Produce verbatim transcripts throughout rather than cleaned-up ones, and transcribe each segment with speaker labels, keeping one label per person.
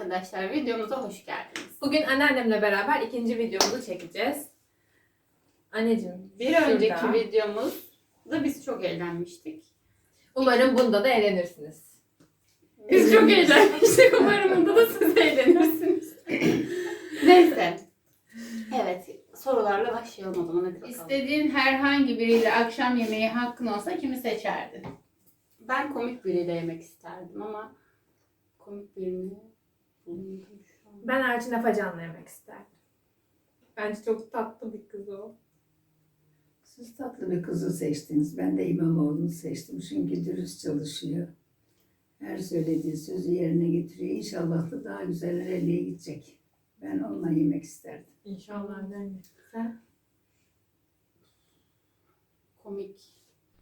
Speaker 1: arkadaşlar, videomuza hoş geldiniz.
Speaker 2: Bugün anneannemle beraber ikinci videomuzu çekeceğiz. Anneciğim,
Speaker 1: Bir
Speaker 2: şurada.
Speaker 1: önceki videomuzda biz çok eğlenmiştik.
Speaker 2: Umarım bunda da eğlenirsiniz.
Speaker 1: Biz çok eğlenmiştik. Umarım bunda da siz eğlenirsiniz. Neyse. Evet, sorularla başlayalım o zaman. Hadi bakalım.
Speaker 3: İstediğin herhangi biriyle akşam yemeği hakkın olsa kimi seçerdin?
Speaker 1: Ben komik biriyle yemek isterdim ama komik birini bulamadım şu an.
Speaker 2: Ben Elçin Afacan'la yemek isterdim. Bence çok tatlı bir kız o.
Speaker 4: Siz tatlı bir kızı seçtiniz. Ben de İmamoğlu'nu seçtim. Çünkü dürüst çalışıyor. Her söylediği sözü yerine getiriyor. İnşallah da daha güzel nereye gidecek. Ben onunla yemek isterdim.
Speaker 2: İnşallah anneanne. Sen?
Speaker 1: Komik.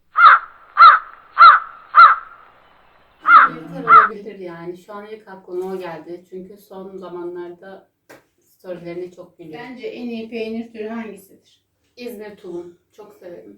Speaker 1: Yeter olabilir yani. Şu an ilk aklıma o geldi. Çünkü son zamanlarda storylerini çok biliyorum.
Speaker 3: Bence en iyi peynir türü hangisidir?
Speaker 1: İzmir tulum. Çok severim.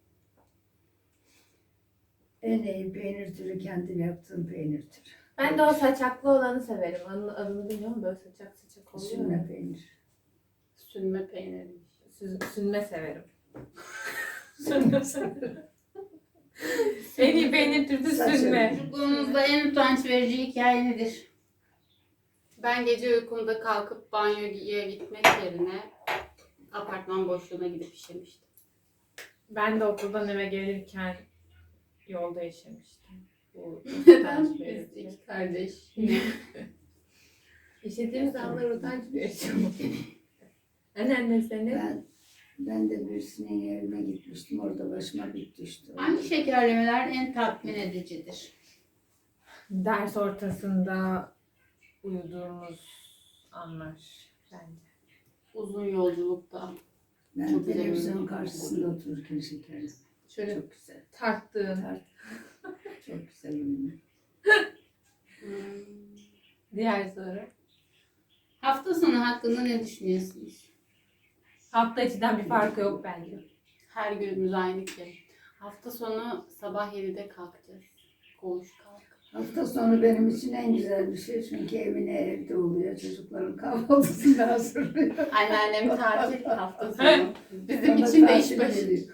Speaker 4: En iyi peynir türü kendim yaptığım peynir türü.
Speaker 2: Ben de o saçaklı olanı severim. Onun adını bilmiyorum, böyle saçak saçak oluyor.
Speaker 4: Sünme peynir.
Speaker 1: Sünme peyniri.
Speaker 2: Sü- Sünme severim. Sünme severim. En iyi peynir türü
Speaker 4: Saçak.
Speaker 2: sünme.
Speaker 3: Çocukluğunuzda en utanç verici hikaye nedir?
Speaker 1: Ben gece uykumda kalkıp banyoya gitmek yerine apartman boşluğuna gidip işemiştim.
Speaker 2: Ben de okuldan eve gelirken yolda işemiştim. Bu
Speaker 1: Neden?
Speaker 2: utanç
Speaker 1: Biz
Speaker 2: verici.
Speaker 1: iki kardeş. Yine.
Speaker 2: İşlediğimiz anlar utanç verici. Anneanne seni.
Speaker 4: Ben, ben de birisinin evine gitmiştim. Orada başıma bir düştü.
Speaker 3: Hangi şekerlemeler en tatmin edicidir?
Speaker 2: Ders ortasında uyuduğumuz anlar bence.
Speaker 1: Uzun yolculukta.
Speaker 4: Ben
Speaker 1: Çok güzel
Speaker 4: televizyon
Speaker 1: oyun.
Speaker 4: karşısında otururken şekerli.
Speaker 2: Şöyle
Speaker 4: Çok güzel.
Speaker 2: tarttığın.
Speaker 4: Tart. Çok güzel oynuyor.
Speaker 1: Hmm.
Speaker 2: Diğer soru.
Speaker 3: Hafta sonu hakkında ne düşünüyorsunuz?
Speaker 2: Hafta içinden bir farkı yok bence.
Speaker 1: Her günümüz aynı ki. Hafta sonu sabah yedide kalkacağız. Koğuş kalk.
Speaker 4: Hafta sonu benim için en güzel bir şey. Çünkü Emine evde oluyor. Çocukların kahvaltısını hazırlıyor.
Speaker 1: Anneannem tatil hafta sonu. Bizim
Speaker 4: Bana
Speaker 1: için de iş
Speaker 4: tatil
Speaker 1: başı.
Speaker 4: geliyor.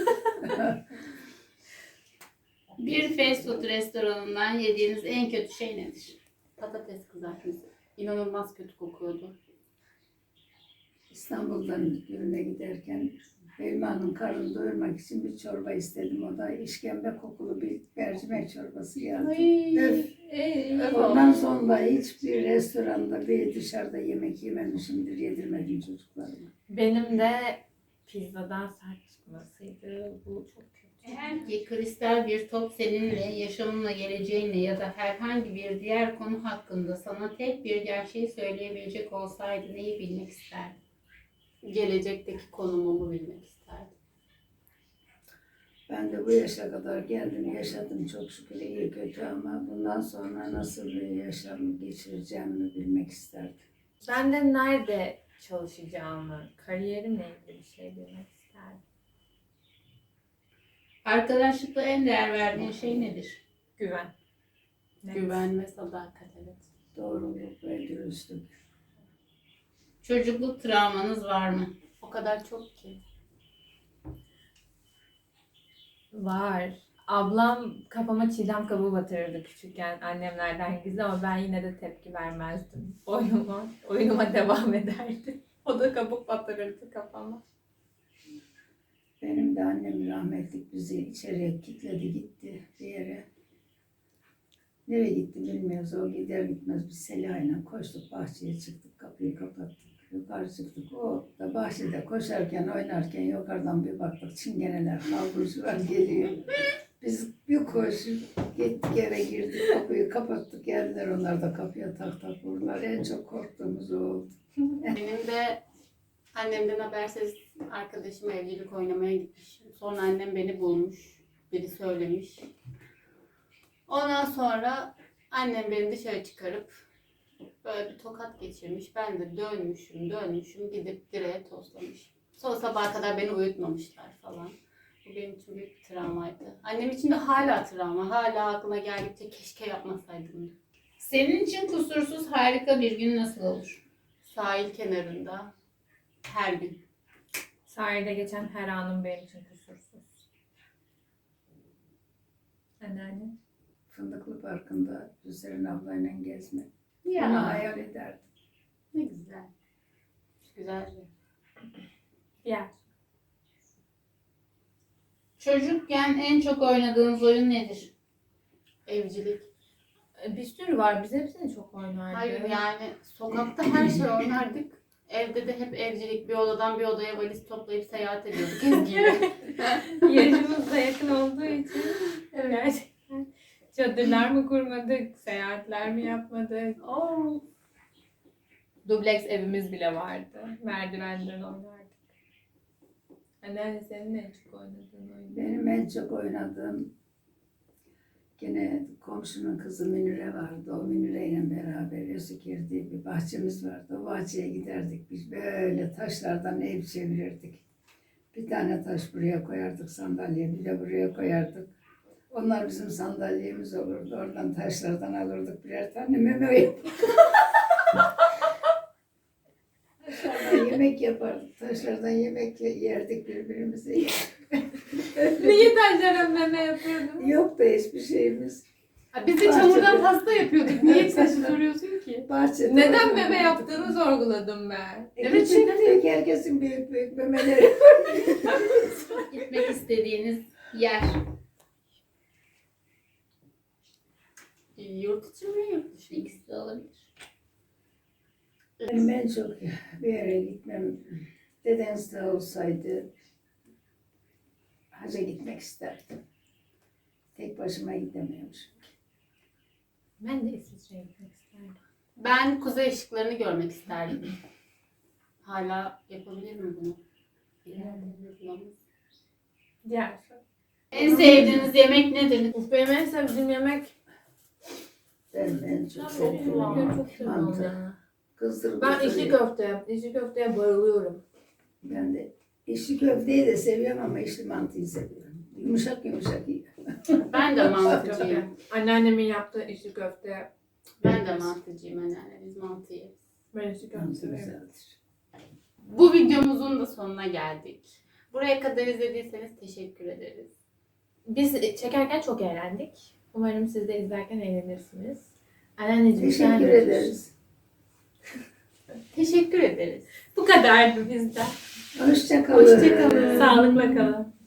Speaker 3: Bir fast food restoranından yediğiniz en kötü şey nedir?
Speaker 1: Patates kızartması. İnanılmaz kötü kokuyordu.
Speaker 4: İstanbul'dan birine giderken Belma'nın karnını doyurmak için bir çorba istedim. O da işkembe kokulu bir mercimek çorbası geldi. Öf.
Speaker 2: Öf.
Speaker 4: Ondan sonra hiçbir restoranda bir dışarıda yemek yememişimdir. Yedirmedim çocuklarıma.
Speaker 2: Benim de pizzadan sert çıkmasıydı. Bu çok kötü.
Speaker 3: Eğer ki kristal bir top seninle, yaşamınla, geleceğinle ya da herhangi bir diğer konu hakkında sana tek bir gerçeği söyleyebilecek olsaydı neyi bilmek isterdin?
Speaker 1: Gelecekteki konumumu bilmek isterdim.
Speaker 4: Ben de bu yaşa kadar geldim, yaşadım çok şükür iyi kötü ama bundan sonra nasıl bir yaşam geçireceğimi bilmek isterdim.
Speaker 2: Ben de nerede çalışacağımı, kariyerimle ilgili bir şey bilmek isterdim.
Speaker 3: Arkadaşlıkta en değer verdiğin şey nedir?
Speaker 2: Güven. Net.
Speaker 1: Güven ve sadakat, evet.
Speaker 4: Doğruluk ve dürüstlük.
Speaker 3: Çocukluk travmanız var mı?
Speaker 1: O kadar çok ki.
Speaker 2: Var. Ablam kafama çiğdem kabuğu batırırdı küçükken annemlerden gizli ama ben yine de tepki vermezdim. Oyunuma, oyunuma devam ederdim. O da kabuk batırırdı kafama.
Speaker 4: Benim de annem rahmetlik bizi içeriye kilitledi gitti bir yere. Nereye gitti bilmiyoruz. O gider gitmez biz Seliha'yla koştuk bahçeye çıktık kapıyı kapattık. Yukarı çıktık. O da bahçede koşarken oynarken yukarıdan bir baktık çingeneler kavrucular geliyor. Biz bir koşup gittik eve girdik kapıyı kapattık geldiler onlar da kapıya tak tak vurdular. En çok korktuğumuz o oldu.
Speaker 1: Benim de annemden habersiz arkadaşım evlilik oynamaya gitmiş. Sonra annem beni bulmuş. Biri söylemiş. Ondan sonra annem beni dışarı çıkarıp böyle bir tokat geçirmiş. Ben de dönmüşüm dönmüşüm gidip direğe toslamış. Sonra sabaha kadar beni uyutmamışlar falan. Bu benim için büyük bir travmaydı. Annem için de hala travma. Hala aklına geldikçe keşke yapmasaydım.
Speaker 3: Senin için kusursuz harika bir gün nasıl olur?
Speaker 1: Sahil kenarında her gün.
Speaker 2: Sahilde geçen her anım benim için kusursuz. Anneanne.
Speaker 4: Fındıklı Parkı'nda Hüseyin ablayla gezmek. Bunu
Speaker 1: Ya
Speaker 4: hayal ederdim.
Speaker 1: ne güzel. Güzeldi.
Speaker 2: Yer.
Speaker 3: Çocukken en çok oynadığınız oyun nedir?
Speaker 1: Evcilik.
Speaker 2: Bir sürü var. Biz hepsini çok oynardık.
Speaker 1: Hayır yani sokakta her şey oynardık. Evde de hep evcilik. Bir odadan bir odaya valiz toplayıp seyahat ediyorduk Ezgi'yle.
Speaker 2: Yaşımız da yakın olduğu için gerçekten çadırlar mı kurmadık, seyahatler mi yapmadık?
Speaker 1: Oo.
Speaker 2: Dubleks evimiz bile vardı. Merdivenden oynardık. Anneanne senin en çok oynadığın oyun.
Speaker 4: Benim en çok oynadığım gene komşunun kızı Münire vardı. O Münire ile beraber Özükir diye bir bahçemiz vardı. O bahçeye giderdik. Biz böyle taşlardan ev çevirirdik. Bir tane taş buraya koyardık sandalye, bir de buraya koyardık. Onlar bizim sandalyemiz olurdu. Oradan taşlardan alırdık birer tane meme yapardık. Taşlardan yemek yapardık. Taşlardan yemek yerdik birbirimize.
Speaker 2: Niye taşlara meme yapıyordun?
Speaker 4: Yok da hiçbir şeyimiz.
Speaker 1: Ha, biz de
Speaker 4: Bahçede.
Speaker 1: çamurdan pasta yapıyorduk. Niye taşı soruyorsun ki?
Speaker 4: Bahçede
Speaker 2: Neden
Speaker 4: oynardık.
Speaker 2: meme yaptığını sorguladım ben.
Speaker 4: E,
Speaker 1: Evet,
Speaker 4: küçük diyor ki herkesin büyük büyük memeleri.
Speaker 3: Gitmek istediğiniz yer.
Speaker 1: Yurt içi mi yurt dışı mı?
Speaker 3: İkisi de olabilir.
Speaker 4: Benim en çok bir yere gitmem, Dedens'te olsaydı hacca gitmek isterdim. Tek başıma gidemiyormuşum.
Speaker 2: Ben de İsviçre'ye gitmek isterdim.
Speaker 1: Ben kuzey ışıklarını görmek isterdim. Hala yapabilir mi bunu? Bilmiyorum.
Speaker 2: Diğer soru.
Speaker 3: En sevdiğiniz yemek nedir?
Speaker 2: Uf, benim en sevdiğim yemek
Speaker 4: Ben en çok
Speaker 2: çok
Speaker 4: sevdiğim
Speaker 2: seviyorum. Çok seviyorum
Speaker 4: mantı.
Speaker 2: ya.
Speaker 4: Kızdırıp
Speaker 2: Ben içli
Speaker 4: kızdırıyor.
Speaker 2: köfte, içli köfteye bayılıyorum.
Speaker 4: Ben de içli köfteyi de seviyorum ama içli mantıyı seviyorum. Yumuşak yumuşak iyi.
Speaker 1: Ben de mantıcıyım.
Speaker 2: Anneannemin yaptığı içli köfte.
Speaker 1: Ben de mantıcıyım anneanne. Biz mantı yeriz.
Speaker 2: Ben içli köfte
Speaker 4: Mantı
Speaker 2: seviyorum.
Speaker 4: güzeldir.
Speaker 1: Bu videomuzun da sonuna geldik. Buraya kadar izlediyseniz teşekkür ederiz.
Speaker 2: Biz çekerken çok eğlendik. Umarım siz de izlerken eğlenirsiniz. Anneanneciğim sen
Speaker 4: Teşekkür
Speaker 2: de-
Speaker 4: ederiz.
Speaker 1: Teşekkür ederiz.
Speaker 2: Bu kadardı bizden.
Speaker 4: Hoşça kalın.
Speaker 1: Hoşça kalın.
Speaker 2: Sağlıkla kalın.